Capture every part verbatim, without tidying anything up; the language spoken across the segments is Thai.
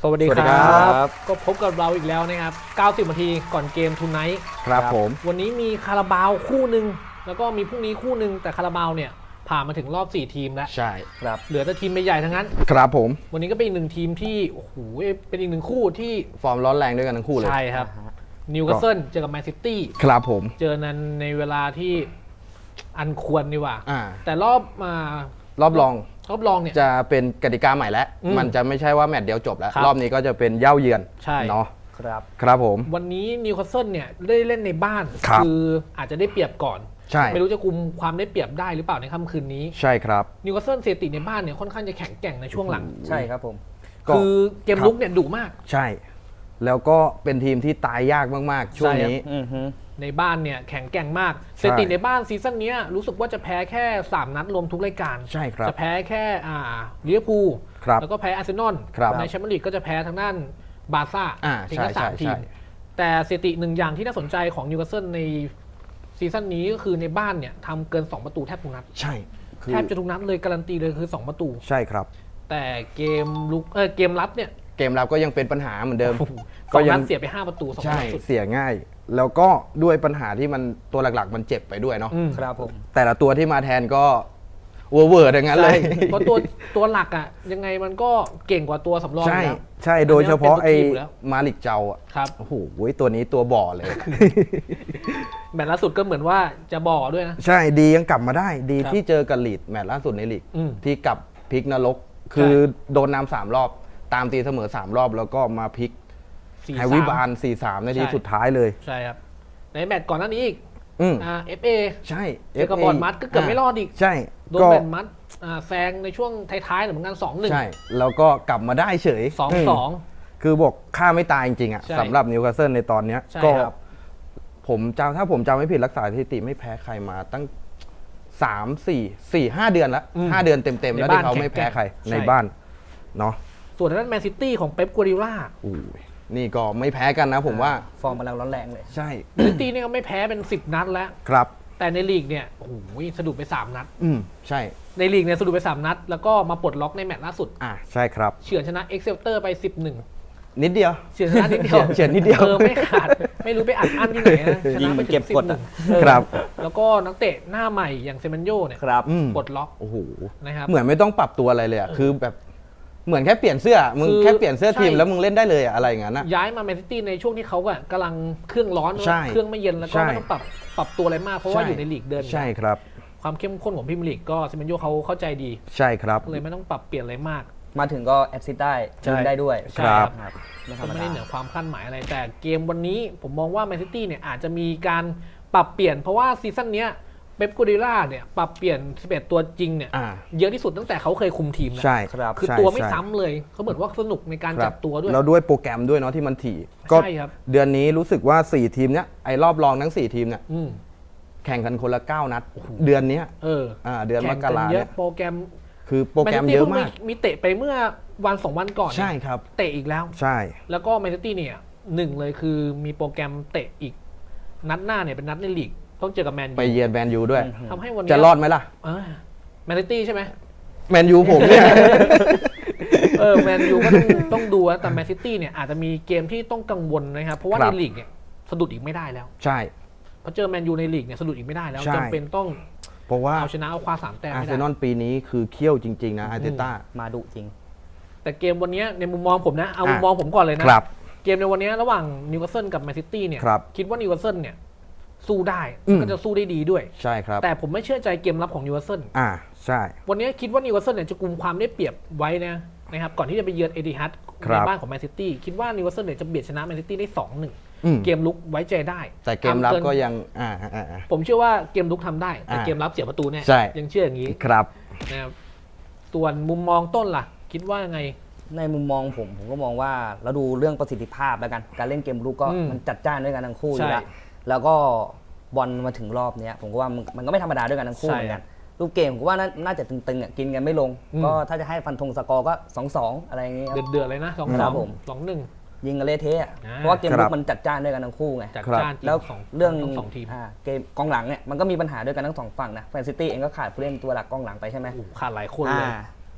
สวัสดีครับก็พบกับเราอีกแล้วนะครับเก้าสิบนาทีก่อนเกมทูไนท์ครับผมวันนี้มีคาราบาวคู่หนึ่งแล้วก็มีพรุ่งนี้คู่หนึ่งแต่คาราบาวเนี่ยผ่านมาถึงรอบสี่ทีมแล้วใช่ครับเหลือแต่ทีมใหญ่ๆทั้งนั้นครับผมวันนี้ก็เป็นอีกหนึ่งทีมที่โอ้โหเป็นอีกหนึ่งคู่ที่ฟอร์มร้อนแรงด้วยกันทั้งคู่เลยใช่ครับนิวคาสเซิลเจอกับแมนซิตี้ครับผมเจอนั้นในเวลาที่อันควรดีว่าแต่รอบมารอบรองรอบรองเนี่ยจะเป็นกติกาใหม่แล้วมันจะไม่ใช่ว่าแมตช์เดียวจบแล้วรอบนี้ก็จะเป็นเย่าเยือนเนาะครับครับผมวันนี้นิวคาสเซิลเนี่ยได้เล่นในบ้านคืออาจจะได้เปรียบก่อนใช่ไม่รู้จะกุมความได้เปรียบได้หรือเปล่าในค่ำคืนนี้ใช่ครับนิวคาสเซิลเซติในบ้านเนี่ยค่อนข้างจะแข็งแกร่งในช่วงหลังใช่ครับผมคือเกมลุกเนี่ยดุมากใช่แล้วก็เป็นทีมที่ตายยากมากๆช่วงนี้ในบ้านเนี่ยแข็งแกร่งมากเซติในบ้านซีซั่นนี้รู้สึกว่าจะแพ้แค่สามนัดรวมทุกรายการใช่ครับจะแพ้แค่อ่าลิเวอร์พูลแล้วก็แพ้อาร์เซนอลในแชมเปี้ยนลีกก็จะแพ้ทางด้านบาร์ซ่าถึงแค่สามทีมแต่สถิติหนึ่งอย่างที่น่าสนใจของนิวคาสเซิลในซีซั่นนี้ก็คือในบ้านเนี่ยทำเกินสองประตูแทบทุกนัดใช่แทบจะทุกนัดเลยการันตีเลยคือสองประตูใช่ครับแต่เกมลุกเออเกมรับเนี่ยเกมรับก็ยังเป็นปัญหาเหมือนเดิมก็ยังเสียไปห้าประตูสองนัดสุดเสียง่ายแล้วก็ด้วยปัญหาที่มันตัวหลักๆมันเจ็บไปด้วยเนาะครับผมแต่ละตัวที่มาแทนก็เวอร์เวอร์ดังนั้นเลยเพราะตัวตัวหลักอ่ะยังไงมันก็เก่งกว่าตัวสำรองใช่ใช่โดยเฉพาะไอ้มาลิกเจ้าอ่ะครับโอ้โหตัวนี้ตัวบ่อเลยแมตช์ล่าสุดก็เหมือนว่าจะบ่อด้วยนะใช่ดียังกลับมาได้ดีที่เจอกับลีดแมตช์ล่าสุดในลีกที่กลับพลิกนรกคือโดนนำสามรอบตามตีเสมอสามรอบแล้วก็มาพลิกไฮวิบาล สี่สาม ในทีสุดท้ายเลยใช่ครับในแมตช์ก่อนหน้านี้อีกอ่า เอฟ เอใช่เจอกับบอร์นมัดก็เกือบไม่รอดอีกใช่โดนบอร์นมัดแซงในช่วงท้ายๆเหมือนกัน สองหนึ่งใช่แล้วก็กลับมาได้เฉยสองสองคือบอกฆ่าไม่ตายจริงๆอ่ะสำหรับนิวคาสเซิลในตอนนี้ก็ผมจำถ้าผมจำไม่ผิดรักษาสถิติไม่แพ้ใครมาตั้งสาม สี่ สี่ ห้าเดือนแล้วห้าเดือนเต็มๆแล้วที่เขาไม่แพ้ใครในบ้านเนาะส่วนนั้นแมนซิตี้ของเป๊ปกัวร์ดิโอลานี่ก็ไม่แพ้กันนะผมว่าฟอร์มกำลังร้อนแรงเลยใช่แมนซิตี้นี่ก็ไม่แพ้เป็นสิบนัดแล้วครับแต่ในลีกเนี่ยโอ้โหสะดุดไปสามนัดอืมใช่ในลีกเนี่ยสะดุดไปสามนัดแล้วก็มาปลดล็อกในแมตช์ล่าสุดอ่าใช่ครับเฉือนชนะเอ็กเซลเตอร์ไป สิบเอ็ดนิดเดียวเฉือนชนะนิดเดียวเฉือนนิดเดียวเออไม่ขาดไม่รู้ไปอัดอั้นที่ไหนนะชนะไปเก็บกดครับแล้วก็นักเตะหน้าใหม่อย่างเซมันโยเนี่ยปลดล็อกโอ้โหนะครับเหมือนไม่ต้องปรับตัวอะไรเลยอ่ะคือแบบเหมือนแค่เปลี่ยนเสื้อมึงแค่เปลี่ยนเสื้อทีมแล้วมึงเล่นได้เลยอะไรอย่างนั้นนะย้ายมาแมนซิตี้ในช่วงที่เขาอะกำลังเครื่องร้อนเครื่องไม่เย็นแล้วก็ไม่ต้องปรับปรับตัวอะไรมากเพราะว่าอยู่ในลีกเดินใช่ครับความเข้มข้นของพรีเมียร์ลีกก็เซมันโยเขาเข้าใจดีใช่ครับเลยไม่ต้องปรับเปลี่ยนอะไรมากมาถึงก็แอสซิสต์ได้ยิงได้ด้วยครับก็ไม่ได้เหนือความคาดหมายอะไรแต่เกมวันนี้ผมมองว่าแมนซิตี้เนี่ยอาจจะมีการปรับเปลี่ยนเพราะว่าซีซั่นนี้เป๊ปกัวร์ดิโอลาเนี่ยปรับเปลี่ยนสิบเอ็ดตัวจริงเนี่ยเยอะที่สุดตั้งแต่เขาเคยคุมทีมแล้วใช่คือตัวไม่ซ้ำเลยเขาเหมือนว่าสนุกในการจับตัวด้วยแล้วด้วยโปรแกรมด้วยเนาะที่มันถี่ก็เดือนนี้รู้สึกว่าสี่ทีมเนี้ยไอ้รอบรองทั้งสี่ทีมเนี่ยแข่งกันคนละเก้านัดเดือนนี้เอออ่าเดือนมกราเนี่ยโปรแกรมคือโปรแกรมเยอะมากมีเตะไปเมื่อวันสองวันก่อนใช่ครับเตะอีกแล้วใช่แล้วก็แมนซิตี้เนี่ยหนึ่งเลยคือมีโปรแกรมเตะอีกนัดหน้าเนี่ยเป็นนัดในลีกต้องเจอกับแมนยูไปเยือนแมนยูด้วยทำให้วันนี้จะรอดไหมล่ะแมนซิตี้ใช่ไหมแมนยูผมเนี่ยเออแมนยูก็ต้องต้องดูแต่แมนซิตี้เนี่ยอาจจะมีเกมที่ต้องกังวลนะครับเพราะว่าในลีกเนี่ยสะดุดอีกไม่ได้แล้วใช่เพราะเจอแมนยูในลีกเนี่ยสะดุดอีกไม่ได้แล้วจำเป็นต้องเพราะว่าเอาชนะเอาคว้าสามแต้มอาร์เซนอลปีนี้คือเขี้ยวจริงๆนะอาร์เตต้ามาดุจริงแต่เกมวันนี้ในมุมมองผมนะเอามุมมองผมก่อนเลยนะเกมในวันนี้ระหว่างนิวคาสเซิลกับแมนซิตี้เนี่ยคิดว่านิวคาสเซิลเนี่ยสู้ได้ก็จะสู้ได้ดีด้วยใช่ครับแต่ผมไม่เชื่อใจเกมรับของนิวคาสเซิลอ่าใช่วันนี้คิดว่านิวคาสเซิลเนี่ยจะกุมความได้เปรียบไว้นะนะครับก่อนที่จะไปเยือนเอติฮัดในบ้านของแมนซิตี้คิดว่านิวคาสเซิลเนี่ยจะเบียดชนะแมนซิตี้ได้ สองหนึ่ง เกมลุกไว้ใจได้แต่เกมรับก็ยังอ่าผมเชื่อว่าเกมลุกทำได้แต่เกมรับเสียประตูเนี่ยยังเชื่ออย่างนี้ครับนะครับส่วนมุมมองต้นล่ะคิดว่าไงในมุมมองผมผมก็มองว่าเราดูเรื่องประสิทธิภาพแล้วกันการเล่นเกมลุกก็มันจัดจ้านด้วยกันทั้งคู่อยู่แล้วแล้วก็บอลมาถึงรอบนี้ผมก็ว่ามันก็ไม่ธรรมดาด้วยกันทั้งคู่เหมือนกันรูปเกมผมว่าน่าจะตึงๆอ่ะกินกันไม่ลงก็ถ้าจะให้ฟันธงสกอร์ก็ สองสอง อะไรอย่างเงี้ยเดือดๆเลยนะสองสอง สองหนึ่งยิงกันเละเทะเพราะว่าเกมลุกมันจัดจ้านด้วยกันทั้งคู่ไงแล้วเรื่องเกมกองหลังเนี่ยมันก็มีปัญหาด้วยกันทั้งสองฝั่งนะแมนซิตี้เองก็ขาดผู้เล่นตัวหลักกองหลังไปใช่ไหมขาดหลายคนเลย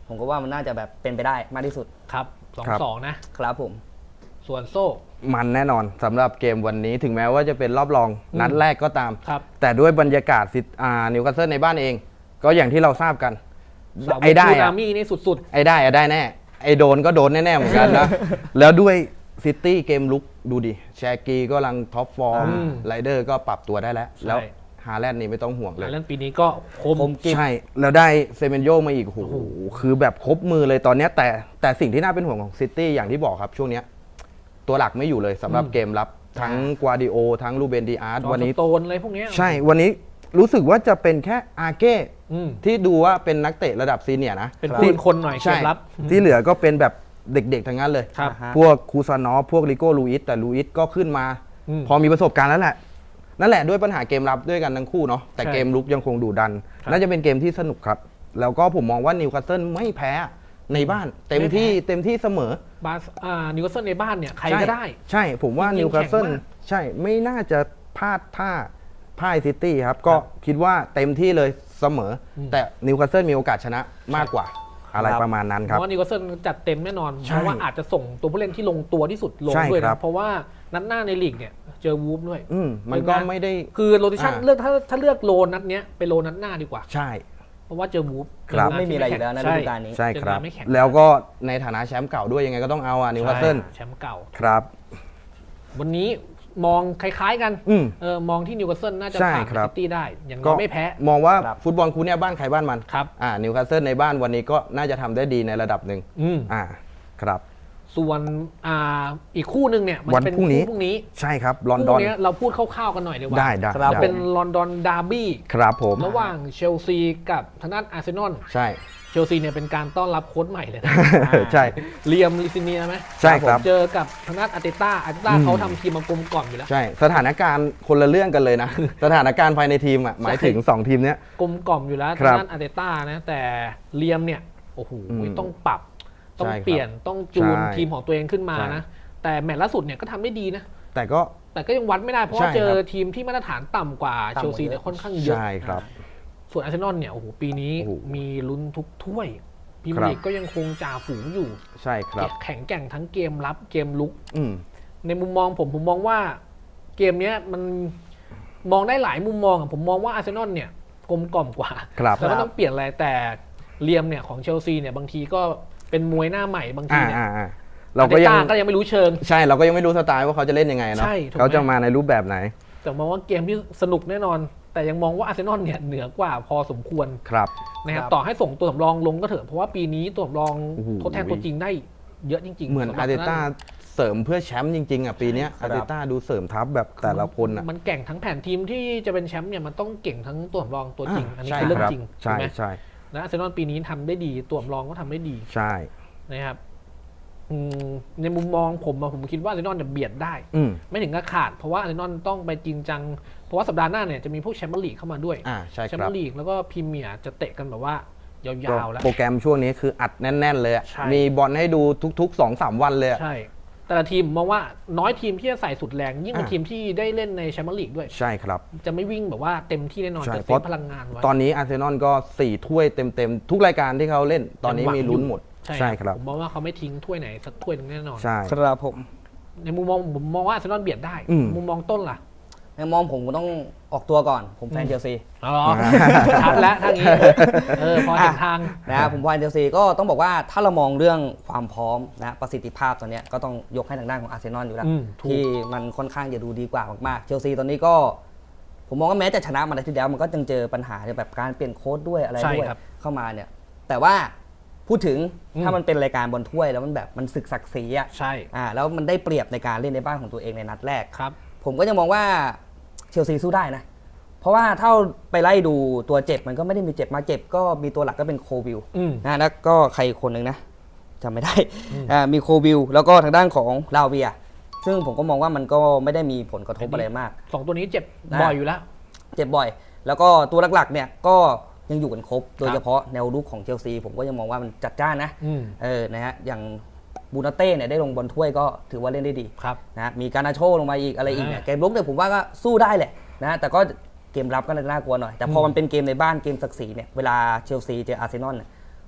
ผมก็ว่ามันน่าจะแบบเป็นไปได้มากที่สุดครับสองสองนะครับผมส่วนโซ่มันแน่นอนสำหรับเกมวันนี้ถึงแม้ว่าจะเป็นรอบรองนัดแรกก็ตามครับแต่ด้วยบรรยากาศอ่านิวคาสเซิลในบ้านเองก็อย่างที่เราทราบกันไอ้ได้อะนี่สุดๆไอ้ได้อะได้แน่ไอ้โดนก็โดนแน่ๆเหมือนกันนะแล้วด้วยซิตี้เกมลุกดูดิแชกีก็กำลังท็อปฟอร์มไรเดอร์ก็ปรับตัวได้แล้วแล้วฮาแลนด์นี่ไม่ต้องห่วงเลยฮาแลนด์ปีนี้ก็คมใช่แล้วได้เซเมนโยมาอีกโอ้โหคือแบบครบมือเลยตอนนี้แต่แต่สิ่งที่น่าเป็นห่วงของซิตี้อย่างที่บอกครับช่วงนี้ตัวหลักไม่อยู่เลยสำหรับเกมรับทั้งกวาดิโอทั้งลูเบนดีอาร์ตวันนี้โตนอะไรพวกนี้ใช่วันนี้รู้สึกว่าจะเป็นแค่อาเก้ที่ดูว่าเป็นนักเตะระดับซีเนียร์นะเป็นปืนคนหน่อยเกมรับที่เหลือก็เป็นแบบเด็กๆทั้งนั้นเลยพวกคูซานอฟพวกลิโก้ลูอิสแต่ลูอิสก็ขึ้นมาพอมีประสบการณ์แล้วแหละนั่นแหละด้วยปัญหาเกมรับด้วยกันทั้งคู่เนาะแต่เกมลุกยังคงดุดันน่าจะเป็นเกมที่สนุกครับแล้วก็ผมมองว่านิวคาสเซิลไม่แพ้ในบ้านเต็มที่เต็มที่เสมอบาสอ่านิวคาสเซิลในบ้านเนี่ยใครก็ได้ใช่ผมว่านิวคาสเซิลใช่ไม่น่าจะพลาดท่าพ่ายซิตี้ครับก็คิดว่าเต็มที่เลยเสมอแต่นิวคาสเซิลมีโอกาสชนะมากกว่าอะไรประมาณนั้นครับเพราะว่านิวคาสเซิลจัดเต็มแน่นอนเพราะว่าอาจจะส่งตัวผู้เล่นที่ลงตัวที่สุดลงด้วยนะเพราะว่านัดหน้าในลีกเนี่ยเจอวูฟด้วยมันก็ไม่ได้คือโรติชั่นเลือกถ้าถ้าเลือกโลนัดเนี้ยไปโลนัดหน้าดีกว่าใช่เพราะว่าเจอวูฟไม่มีอะไรอยู่แล้วในฤดูกาลนี้ใช่ครับแล้วก็ในฐานะแชมป์เก่าด้วยยังไงก็ต้องเอาอ่ะนิวคาสเซิลแชมป์เก่าครับวันนี้มองคล้ายๆกันเออมองที่นิวคาสเซิลน่าจะผ่านซิตี้ได้อย่างน้อยไม่แพ้มองว่าฟุตบอลคู่นี้บ้านใครบ้านมันครับอ่านิวคาสเซิลในบ้านวันนี้ก็น่าจะทำได้ดีในระดับหนึ่งอ่าครับส่วนอ่าอีกคู่หนึ่งเนี่ยมันเป็นคู่พรุ่งนี้ใช่ครับลอนดอนนี้เราพูดคร่าวๆกันหน่อยดีกว่าได้ได้เป็นลอนดอนดาร์บี้ครับผมระหว่างเชลซีกับทางด้านอาร์เซนอลใช่เชลซีเนี่ยเป็นการต้อนรับโค้ชใหม่เลยนะใช่เลียมลิซิเนียไหมใช่ครับเจอกับทางด้านอาร์เตต้าอาร์เตต้าเขาทำทีมมากลมกล่อมอยู่แล้วใช่สถานการณ์คนละเรื่องกันเลยนะสถานการณ์ภายในทีมอ่ะหมายถึงสองทีมเนี้ยกลมกล่อมอยู่แล้วทางด้านอาร์เตต้านะแต่เลียมเนี่ยโอ้โหต้องปรับต้องเปลี่ยนต้องจูนทีมของตัวเองขึ้นมานะแต่แมตช์ล่าสุดเนี่ยก็ทำได้ดีนะแต่ก็แต่ก็ยังวัดไม่ได้เพราะว่าเจอทีมที่มาตรฐานต่ำกว่าเชลซีเนี่ยค่อนข้างเยอะใช่ครับส่วนอาร์เซนอลเนี่ยโอ้โหปีนี้มีลุ้นทุกถ้วยพรีเมียร์ลีกก็ยังคงจ่าฝูงอยู่ใช่ครับแข็งแกร่งทั้งเกมรับเกมลุกในมุมมองผมผมมองว่าเกมนี้มันมองได้หลายมุมมองผมมองว่าอาร์เซนอลเนี่ยกลมกล่อมกว่าแล้วก็ต้องเปลี่ยนอะไรแต่เลียมเนี่ยของเชลซีเนี่ยบางทีก็เป็นมวยหน้าใหม่บางทีเนี่ยเราก็ยังก็ยังไม่รู้เชิงใช่เราก็ยังไม่รู้สไตล์ว่าเขาจะเล่นยังไงเนาะเขาจะมาในรูปแบบไหนแต่มองว่าเกมที่สนุกแน่นอนแต่ยังมองว่าอาร์เซนอลเนี่ยเหนือกว่าพอสมควรครับนะครับต่อให้ส่งตัวสำรองลงก็เถอะเพราะว่าปีนี้ตัวสำรองทดแทนตัวจริงได้เยอะจริงๆเหมือนอาร์เตต้าเสริมเพื่อแชมป์จริงๆอ่ะปีนี้อาร์เตต้าดูเสริมทัพแบบแต่ละคนอ่ะมันเก่งทั้งแผนทีมที่จะเป็นแชมป์เนี่ยมันต้องเก่งทั้งตัวสำรองตัวจริงอันนี้คือเรื่องจริงใช่ใช่นะอาร์เซนอลปีนี้ทำได้ดีตัวสำรองก็ทำได้ดีใช่นะครับในมุมมองผมผมคิดว่าอาร์เซนอลจะเบียดได้ไม่ถึงกับขาดเพราะว่าอาร์เซนอลต้องไปจริงจังเพราะว่าสัปดาห์หน้าเนี่ยจะมีพวกแชมเปี้ยนลีกเข้ามาด้วยแชมเปี้ยนลีกแล้วก็พรีเมียร์จะเตะกันแบบว่ายาวๆแล้วโปรแกรมช่วงนี้คืออัดแน่นๆเลยมีบอลให้ดูทุกๆ สองสาม วันเลยใช่แต่ละทีมมองว่าน้อยทีมที่จะใส่สุดแรงยิ่งเป็นทีมที่ได้เล่นในแชมเปี้ยนลีกด้วยใช่ครับจะไม่วิ่งแบบว่าเต็มที่แน่นอนจะเซฟพลังงานไว้ตอนนี้อาร์เซนอลก็สี่ถ้วยเต็มๆทุกรายการที่เขาเล่นตอนนี้มีลุ้นหมดใช่ครับผมมองว่าเขาไม่ทิ้งถ้วยไหนสักถ้วยนึงแน่นอนใช่ครับผมในมุมมองผมมองว่าอาร์เซนอลเบียดได้มุมมองต้นล่ะในมองผมก็ต้องออกตัวก่อนผมแฟนเชลซีอ๋อชัดแล้วทางนี้เออพอเห็นทางนะผมแฟนเชลซีก็ต้องบอกว่าถ้าเรามองเรื่องความพร้อมนะประสิทธิภาพตอนนี้ก็ต้องยกให้ทางด้านของอาร์เซนอลอยู่แล้วที่มันค่อนข้างจะดูดีกว่ามากๆเชลซีตอนนี้ก็ผมมองว่าแม้จะชนะมาในที่แล้วมันก็ยังเจอปัญหาแบบการเปลี่ยนโค้ชด้วยอะไรด้วยเข้ามาเนี่ยแต่ว่าพูดถึงถ้ามันเป็นรายการบอลถ้วยแล้วมันแบบมันศึกศักดิ์ศรีอ่ะใช่อ่าแล้วมันได้เปรียบในการเล่นในบ้านของตัวเองในนัดแรกครับผมก็จะมองว่าเชลซีสู้ได้นะเพราะว่าถ้าไปไล่ดูตัวเจ็บมันก็ไม่ได้มีเจ็บมาเจ็บก็มีตัวหลักก็เป็นโควิลนะแล้วก็ใครคนหนึ่งนะจำไม่ได้อ่ามีโควิลแล้วก็ทางด้านของลาเวียซึ่งผมก็มองว่ามันก็ไม่ได้มีผลกระทบอะไรมากสองตัวนี้เจ็บบ่อยอยู่แล้วเจ็บบ่อยแล้วก็ตัวหลักๆเนี่ยก็ยังอยู่กันครบโดยเฉพาะแนวรุกของเชลซีผมก็ยังมองว่ามันจัดจ้านนะเออนะฮะอย่างบูนาเต้เนี่ยได้ลงบอลถ้วยก็ถือว่าเล่นได้ดีนะมีการนาโชลงมาอีกอะไรอีกเนี่ยเกมรุกเนี่ยผมว่าก็สู้ได้แหละนะแต่ก็เกมรับก็น่ากลัวหน่อยแต่พอมันเป็นเกมในบ้านเกมศักดิ์ศรีเนี่ยเวลาเชลซีเจออาร์เซนอลเนี่ยผ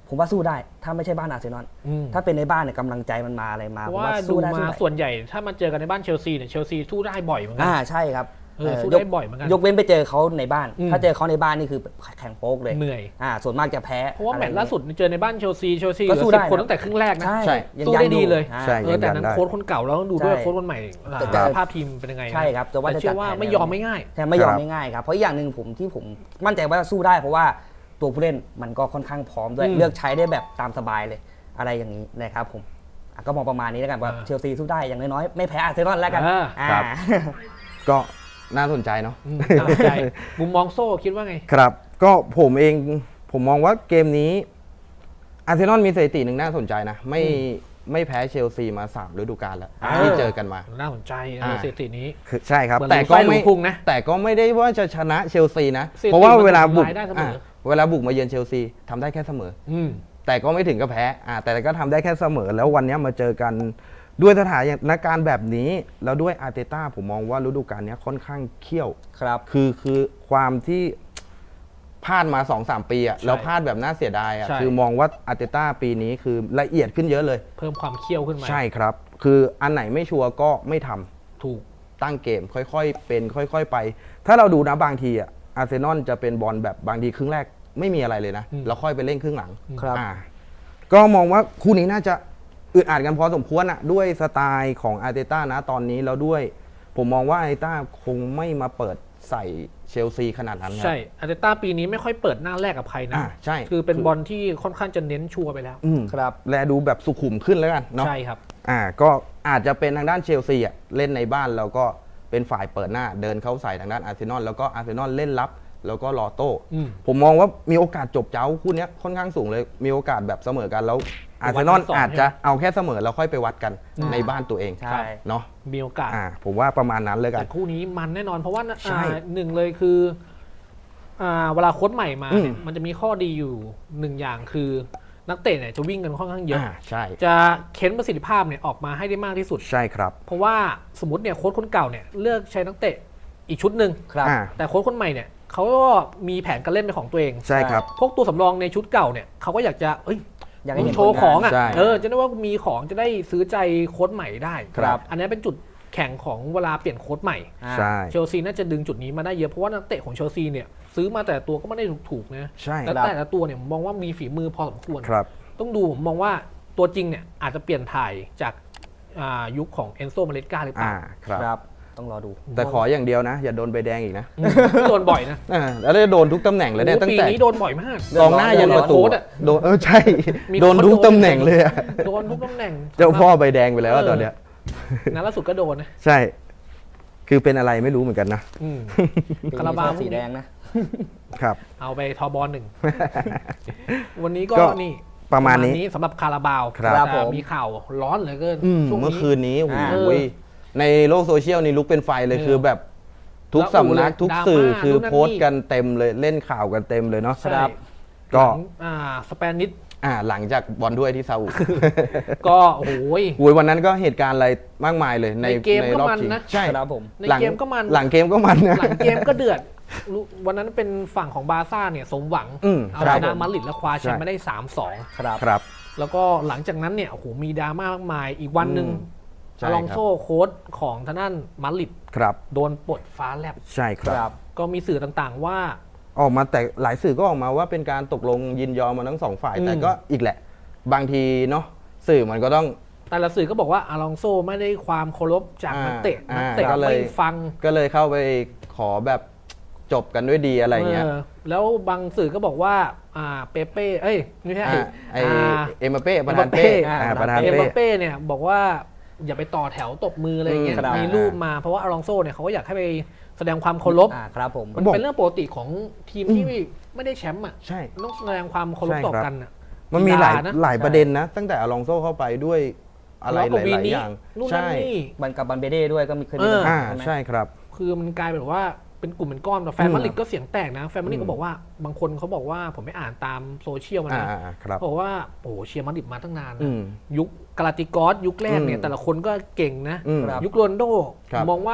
ผมว่าสู้ได้ถ้าไม่ใช่บ้านอาร์เซนอลถ้าเป็นในบ้านเนี่ยกำลังใจมันมาอะไรมาเพราะว่าดูมาส่วนใหญ่ถ้ามาเจอกันในบ้านเชลซีเนี่ยเชลซีสู้ได้บ่อยเหมือนกัอ่าใช่ครับเออสู้ได้บ่อยเหมือนกันยกเว้นไปเจอเขาในบ้าน ถ้าเจอเขาในบ้านนี่คือแข่งโป๊กเลยเหนื่อยอ่าส่วนมากจะแพ้เพราะว่าแมตช์ล่าสุดเจอในบ้านเชลซีเชลซีเหลือสิบคนตั้งแต่ครึ่งแรกนะใช่สู้ได้ดีเลยเออแต่นั้นโค้ชคนเก่าแล้วต้องดูด้วยโค้ชคนใหม่สภาพทีมเป็นยังไงใช่ครับแต่เชื่อว่าไม่ยอมไม่ง่ายใช่ไม่ยอมไม่ง่ายครับเพราะอย่างหนึ่งผมที่ผมมั่นใจว่าสู้ได้เพราะว่าตัวผู้เล่นมันก็ค่อนข้างพร้อมด้วยเลือกใช้ได้แบบตามสบายเลยอะไรอย่างนี้นะครับผมก็มองประมาณนี้แล้วกันว่าเชลซีสู้ได้อย่างน้อยๆไม่แพ้อาร์เซนอลแล้วกันก็น่าสนใจเนาะน่าสนใจมุมมองโซ่คิดว่าไงครับก็ผมเองผมมองว่าเกมนี้อาร์เซนอลมีสถิติหนึ่งน่าสนใจนะไม่ไม่แพ้เชลซีมาสามฤดูกาลแล้วที่เจอกันมาน่าสนใจสถิตินี้ใช่ครับแต่ก็ไม่แต่ก็ไม่ได้ว่าจะชนะเชลซีนะเพราะว่าเวลาบุกเวลาบุกมาเยือนเชลซีทำได้แค่เสมอแต่ก็ไม่ถึงกับแพ้แต่ก็ทำได้แค่เสมอแล้ววันนี้มาเจอกันด้วยสถานการณ์แบบนี้แล้วด้วยอาร์เตต้าผมมองว่าฤดูกาลนี้ค่อนข้างเขี้ยวครับคือคือความที่พลาดมา สองสาม ปีอ่ะแล้วพลาดแบบน่าเสียดายอ่ะคือมองว่าอาร์เตต้าปีนี้คือละเอียดขึ้นเยอะเลยเพิ่มความเขี้ยวขึ้นมาใช่ครับคืออันไหนไม่ชัวร์ก็ไม่ทำถูกตั้งเกมค่อยๆเป็นค่อยๆไปถ้าเราดูนะบางทีอ่ะอาร์เซนอลจะเป็นบอลแบบบางทีครึ่งแรกไม่มีอะไรเลยนะแล้วค่อยไปเล่นครึ่งหลังครับก็มองว่าคู่นี้น่าจะอึดอัดกันพอสมควรอะด้วยสไตล์ของอาร์เตต้านะตอนนี้แล้วด้วยผมมองว่าอาร์เตต้าคงไม่มาเปิดใส่เชลซีขนาดนั้นใช่อาร์เตต้าปีนี้ไม่ค่อยเปิดหน้าแรกกับใครนะใช่คือเป็นบอลที่ค่อนข้างจะเน้นชัวร์ไปแล้วครับและดูแบบสุขุมขึ้นแล้วกันเนาะใช่ครับอ่าก็อาจจะเป็นทางด้านเชลซีอะเล่นในบ้านแล้วก็เป็นฝ่ายเปิดหน้าเดินเข้าใส่ทางด้านอาร์เซนอลแล้วก็อาร์เซนอลเล่นรับแล้วก็รอโต้ผมมองว่ามีโอกาสจบเจ้าคู่นี้ค่อนข้างสูงเลยมีโอกาสแบบเสมอกันแล้วอาร์เซนอลอาจจะเอาแค่เสมอแล้วค่อยไปวัดกันในบ้านตัวเองเนาะมีโอกาสผมว่าประมาณนั้นเลยกันแต่คู่นี้มันแน่นอนเพราะว่าหนึ่งเลยคือเวลาโค้ชใหม่มาเนี่ยมันจะมีข้อดีอยู่หนึ่งอย่างคือนักเตะเนี่ยจะวิ่งกันค่อนข้างเยอะจะเค้นประสิทธิภาพเนี่ยออกมาให้ได้มากที่สุดใช่ครับเพราะว่าสมมติเนี่ยโค้ชคนเก่าเนี่ยเลือกใช้นักเตะอีกชุดหนึ่งแต่โค้ชคนใหม่เนี่ยเขาก็มีแผนการเล่นเป็นของตัวเองใช่ครับพวกตัวสำรองในชุดเก่าเนี่ยเขาก็อยากจะเอ้ยอยากให้โชว์ของอ่ะเออจะได้ว่ามีของจะได้ซื้อใจโค้ชใหม่ได้ครับอันนี้เป็นจุดแข่งของเวลาเปลี่ยนโค้ชใหม่ใช่เชลซีน่าจะดึงจุดนี้มาได้เยอะเพราะว่านักเตะของเชลซีเนี่ยซื้อมาแต่ตัวก็ไม่ได้ถูกๆนะใช่แล้วแต่ละตัวเนี่ยผมมองว่ามีฝีมือพอสมควรครับต้องดูผมมองว่าตัวจริงเนี่ยอาจจะเปลี่ยนถ่ายจากยุคของเอนโซมาเลสกาหรือเปล่าครับต้องรอดูแต่ขออย่างเดียวนะอย่าโดนใบแดงอีกนะโดนบ่อยนะแล้วได้โดนทุกตำแหน่งเลยเนี่ยตั้งแต่ปีนี้โดนบ่อยมากกองหน้ายันประตูโดนเออใช่โดนทุกตำแหน่งเลยอะโดนทุกตำแหน่งเจ้าพ่อใบแดงไปแล้วตอนเนี้ยนัดล่าสุดก็โดนนะใช่คือเป็นอะไรไม่รู้เหมือนกันนะคาราบาวสีแดงนะครับเอาไปทอบอลหนึ่งวันนี้ก็นี่ประมาณนี้สำหรับคาราบาวมีข่าวร้อนเหลือเกินเมื่อคืนนี้โอ้ยในโลกโซเชียลนี่ลุกเป็นไฟเลยคือแบบทุกสำนักทุกสื่อคือโพสต์กันเต็มเลยเล่นข่าวกันเต็มเลยเนาะครับก็สเปนิชหลังจากบอลด้วยที่ซาอุก็โอ้โหโอ้ยวันนั้นก็เหตุการณ์อะไรมากมายเลยในในรอบชิงใช่ครับผมในเกมก็มันหลังเกมก็มันหลังเกมก็เดือดวันนั้นเป็นฝั่งของบาร์ซ่าเนี่ยสมหวังเอาชนะมาดริดและคว้าแชมป์มาได้ สามสองครับแล้วก็หลังจากนั้นเนี่ยโอ้โหมีดราม่ามากมายอีกวันนึงอลองโซ่โค้ชของทางด้านมาดริดโดนปลดฟ้าแลบใช่ครับก็มีสื่อต่างๆว่าออกมาแต่หลายสื่อก็ออกมาว่าเป็นการตกลงยินยอมมาทั้งสองฝ่ายแต่ก็อีกแหละบางทีเนาะสื่อมันก็ต้องแต่ละสื่อก็บอกว่าอลองโซ่ไม่ได้ความเคารพจากนักเตะนักเตะไม่ฟังก็เลยเข้าไปขอแบบจบกันด้วยดีอะไรเงี้ยแล้วบางสื่อก็บอกว่าอ่าเปเป้เอ้ยไม่ใช่ไอเอ็มบัปเป้ประธานเป้ประธานเป้เอ็มบัปเป้เนี่ยบอกว่าอย่าไปต่อแถวตบมืออะไรเงี้ยมีรูปมาเพราะว่าอลองโซ่เนี่ยเขาก็อยากให้ไปแสดงความเคารพครับผมมันเป็นเรื่องปกติของทีมที่ไม่ได้แชมป์อ่ะต้องแสดงความเคารพต่อกันอ่ะมันมีหลายหลายประเด็นนะตั้งแต่อลองโซ่เข้าไปด้วยอะไรหลายๆอย่างใช่บันกับบันเบเด้ด้วยก็มีเคยมีปัญหาใช่ครับคือมันกลายเป็นว่าเป็นกลุ่มเป็นก้อนแต่แฟนมาดริดก็เสียงแตกนะแฟนมาดริดก็บอกว่าบางคนเขาบอกว่าผมไม่อ่านตามโซเชียลมานะบอกว่าโอ้เชียร์มาดริดมาตั้งนานนะยุคกาลาติกอสยุคแรกเนี่ยแต่ละคนก็เก่งนะยุคโรนโดมองว่า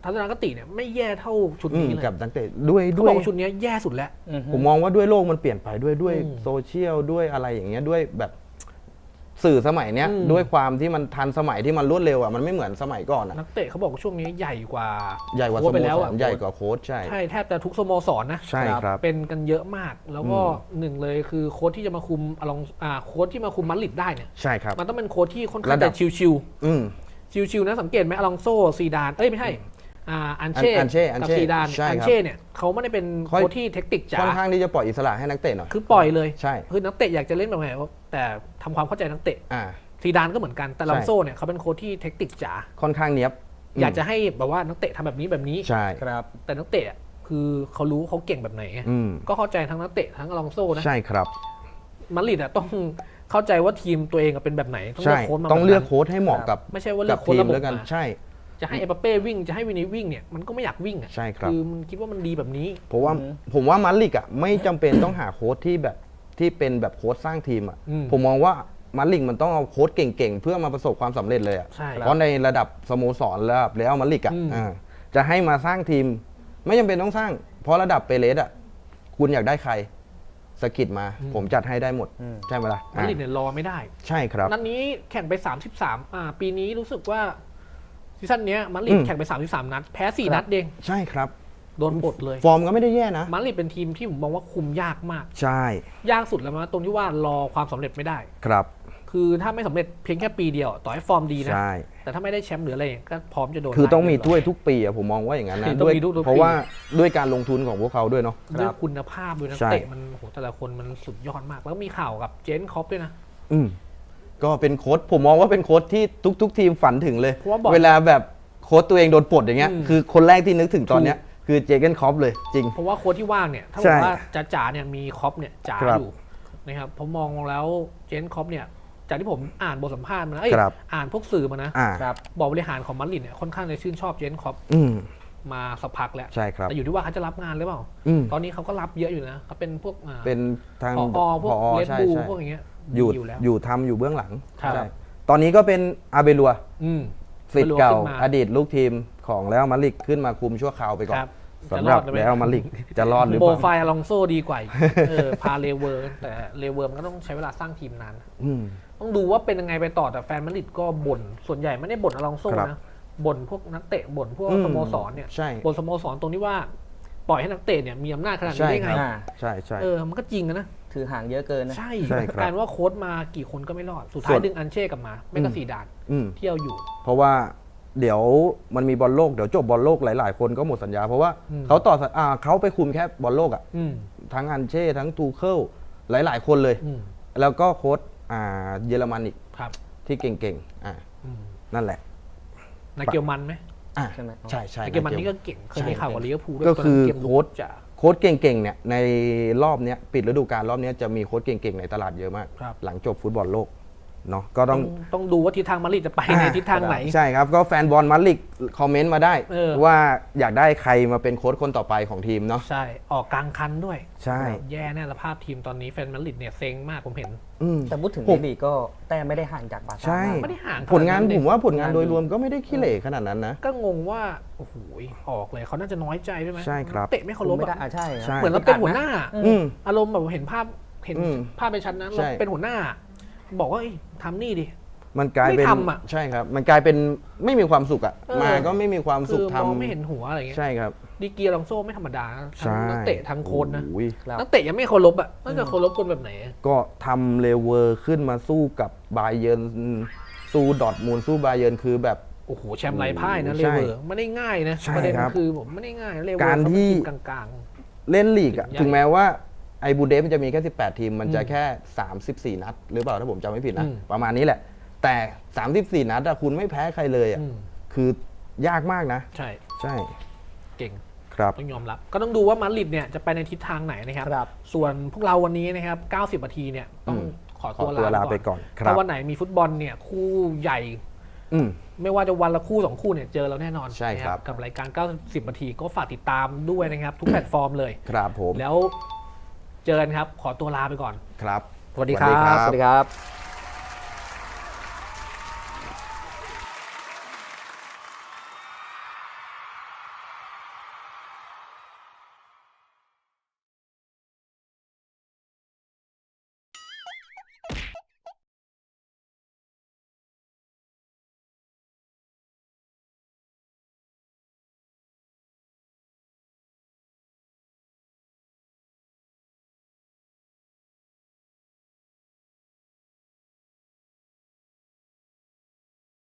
ทัศนคติเนี่ยไม่แย่เท่าชุดนี้เลยกับนักเตะด้วยเขาด้วยบอกว่าชุดนี้แย่สุดแล้วผมมองว่าด้วยโลกมันเปลี่ยนไปด้วยด้วยโซเชียลด้วยอะไรอย่างเงี้ยด้วยแบบสื่อสมัยเนี้ยด้วยความที่มันทันสมัยที่มันรวดเร็วอ่ะมันไม่เหมือนสมัยก่อนอ่ะนักเตะเขาบอกว่าช่วงนี้ใหญ่กว่าใหญ่กว่าสโมสรใหญ่กว่าโค้ชใช่ใช่แทบจะทุกสโมสรนะใช่ครับเป็นกันเยอะมากแล้วก็หนึ่งเลยคือโค้ชที่จะมาคุมอลองอ่าโค้ชที่มาคุมมาดริดได้เนี่ยใช่ครับมันต้องเป็นโค้ชที่ค่อนข้างจะชิวๆอืมชิวๆนะสังเกตไหมอลองโซซีดานเอ้ยไม่ใช่อ่าอันเช่กับซีดานอันเช่เนี่ยเขาไม่ได้เป็นโค้ชที่เทคนิคจ๋าค่อนข้างที่จะปล่อยอิสระให้นักเตะหน่อยคือปล่อยเลยใช่คือนักเตะอยากจะเล่นแบบไหนแต่ทำความเข้าใจนักเตะซีดานก็เหมือนกันแต่ลองโซ่เนี่ยเขาเป็นโค้ชที่เทคนิคจ๋าค่อนข้างเนี้ยบอยากจะให้แบบว่านักเตะทำแบบนี้แบบนี้ใช่ครับแต่นักเตะคือเขารู้เขาเก่งแบบไหนก็เข้าใจทั้งนักเตะทั้งลองโซ่นะใช่ครับมาดริดอ่ะต้องเข้าใจว่าทีมตัวเองเป็นแบบไหนต้องเลือกโค้ชมาต้องเลือกโค้ชให้เหมาะกับไม่ใช่ว่าเลือกโค้ชระบบกันใช่จะให้เอเปเป้วิ่งจะให้วินิวิ่งเนี่ยมันก็ไม่อยากวิ่งอ่ะใช่ครับคือมันคิดว่ามันดีแบบนี้เพราะว่าผมว่ามาดริดอ่ะไม่จำเป็นต้องหาโค้ชที่แบบที่เป็นแบบโค้ชสร้างทีมอ่ะผมมองว่ามาดริดมันต้องเอาโค้ชเก่งๆเพื่อมาประสบความสำเร็จเลยอ่ะเพราะในระดับสโมสรระดับเรอัลมาดริดอ่ะจะให้มาสร้างทีมไม่จำเป็นต้องสร้างเพราะระดับเปเรสอ่ะคุณอยากได้ใครสกิดมาผมจัดให้ได้หมดใช่ไหมล่ะมาดริดเนี่ยรอไม่ได้ใช่ครับนัดนี้แข่งไปสามสิบสามอ่าปีนี้รู้สึกว่าซีซั่นนี้มาดริดแข่งไปสามสิบสามนัดแพ้สี่นัดเองใช่ครับโดนปลดเลยฟอร์มก็ไม่ได้แย่นะมาดริดเป็นทีมที่ผมมองว่าคุมยากมากใช่ยากสุดแล้วนะตรงที่ว่ารอความสำเร็จไม่ได้ครับคือถ้าไม่สำเร็จเพียงแค่ปีเดียวต่อให้ฟอร์มดีนะแต่ถ้าไม่ได้แชมป์หรืออะไรก็พร้อมจะโดนคือต้องมีถ้วยทุกปีอะผมมองว่าอย่างนั้นนะด้วยเพราะว่าด้วยการลงทุนของพวกเขาด้วยเนาะด้วยคุณภาพด้วยนักเตะมันโหแต่ละคนมันสุดยอดมากแล้วมีข่าวกับเจนคอปด้วยนะอืมก็เป็นโค้ชผมมองว่าเป็นโค้ชที่ทุกๆทีมฝันถึงเลยเวลาแบบโค้ชตัวเองโดนปลดอย่างเงี้ยคือคนแรกที่นึกถึงตอนเนี้ยคือเจเกนคอปเลยจริงเพราะว่าโค้ชที่ว่างเนี่ยถ้าบอกว่าจ๋าๆเนี่ยมีคอปเนี่ยจ๋าอยู่นะครับผมมองแล้วเจนคอปเนี่ยจากที่ผมอ่านบทสัมภาษณ์มานะอ่านพวกสื่อมานะบอกบริหารของมาดริดเนี่ยค่อนข้างจะชื่นชอบเจนคอปมาสักพักแล้วแต่อยู่ที่ว่าเขาจะรับงานหรือเปล่าตอนนี้เขาก็รับเยอะอยู่นะเขาเป็นพวกเป็นทางผอพวกเลดบูพวกอย่างเงี้ยอยู่อยู่ทำอยู่เบื้องหลังใช่ตอนนี้ก็เป็นอาเบลัวศิษย์เก่าอดีตลูกทีมของแล้วมาดริดขึ้นมาคุมชั่วคราวไปก่อนสำหรับแล้วมาดริดจะรอดหรือเปล่าโปรไฟล์อลองโซดีกว่าเออพาเลเวอร์แต่เลเวอร์มันก็ต้องใช้เวลาสร้างทีมนานต้องดูว่าเป็นยังไงไปต่อแต่แฟนมาดริดก็บ่นส่วนใหญ่ไม่ได้บ่นอลองโซนะบ่นพวกนักเตะบ่นพวกสโมสรเนี่ยบ่นสโมสรตรงที่ว่าปล่อยให้นักเตะเนี่ยมีอำนาจขนาดนี้ได้ไงใช่ใช่เออมันก็จริงนะถือห่างเยอะเกินนะใช่การว่าโค้ชมากี่คนก็ไม่รอดสุดท้ายดึงอันเช่กลับมาไม่ก็สีดานเที่ยวอยู่เพราะว่าเดี๋ยวมันมีบอลโลกเดี๋ยวจบบอลโลกหลายๆคนก็หมดสัญญาเพราะว่าเขาต่ออ่าเขาไปคุมแค่บอลโลกอ่ะทั้งอันเช่ทั้งทูเคิลหลายๆคนเลยแล้วก็โค้ชอ่าเยอรมันอีกที่เก่งๆอ่านั่นแหละนาเกียวมันไหมใช่ไหมใช่ใช่นาเกียวมันนี่ก็เก่งเคยมีข่าวกับลิเวอร์พูลด้วยก็คือโค้ชโค้ชเก่งๆเนี่ยในรอบนี้ปิดฤดูกาลรอบนี้จะมีโค้ชเก่งๆในตลาดเยอะมากหลังจบฟุตบอลโลกเนาะก็ต้องต้องดูว่าทิศทางมาดริดจะไปในทิศทางไหนใช่ครับก็แฟนบอลมาดริดคอมเมนต์มาได้ว่าอยากได้ใครมาเป็นโค้ชคนต่อไปของทีมเนาะใช่ออกกลางคันด้วยใช่แย่แน่สภาพทีมตอนนี้แฟนมาดริดเนี่ยเซ็งมากผมเห็นแต่พูดถึงในลีกก็แต่ไม่ได้ห่างจากบาร์ซ่าไม่ได้ห่างผลงานผมว่าผลงานโดยรวมก็ไม่ได้ขี้เหร่ขนาดนั้นนะก็งงว่าโอ้โหออกเลยเขาน่าจะน้อยใจใช่ไหมใช่ครับเตะไม่เคารพอ่ะใช่เหมือนเราเป็นหัวหน้าอารมณ์แบบเห็นภาพเห็นภาพในชั้นนั้นเราเป็นหัวหน้าบอกว่าทำนี่ดิมันกลายเป็นใช่ครับมันกลายเป็นไม่มีความสุขอ่ะมาก็ไม่มีความสุขทำไม่เห็นหัวอะไรเงี้ยใช่ครับดีเกียร์ลองโซ่ไม่ธรรมดาทั้งนักเตะทั้งโค้ชนะนักเตะยังไม่เคารพอ่ะน่าจะเคารพคนแบบไหนก็ทำเลเวอร์ขึ้นมาสู้กับบาเยิร์นสู้ดอร์ทมุนด์สู้บาเยิร์นคือแบบโอ้โหแชมป์ไร้พ่ายนะเลเวอร์ไม่ได้ง่ายนะประเด็นคือผมไม่ได้ง่ายเลเวอร์การที่กลางๆเล่นลีกอ่ะถึงแม้ว่าไอ้บูเดฟมันจะมีแค่สิบแปดทีมมันจะแค่สามสิบสี่นัดหรือเปล่าถ้าผมจำไม่ผิดนะประมาณนี้แหละแต่สามสิบสี่นัดอะคุณไม่แพ้ใครเลยอะคือยากมากนะใช่ใช่เก่งครับต้องยอมรับก็ต้องดูว่ามาดริดเนี่ยจะไปในทิศทางไหนนะครับส่วนพวกเราวันนี้นะครับเก้าสิบนาทีเนี่ยต้องขอตัวลาไปก่อนถ้าวันไหนมีฟุตบอลเนี่ยคู่ใหญ่ไม่ว่าจะวันละคู่สองคู่เนี่ยเจอเราแน่นอนใช่ครับกับรายการเก้าสิบนาทีก็ฝากติดตามด้วยนะครับทุกแพลตฟอร์มเลยครับผมแล้วเจอกันครับขอตัวลาไปก่อนครับสวัสดีครับสวัสดีครับ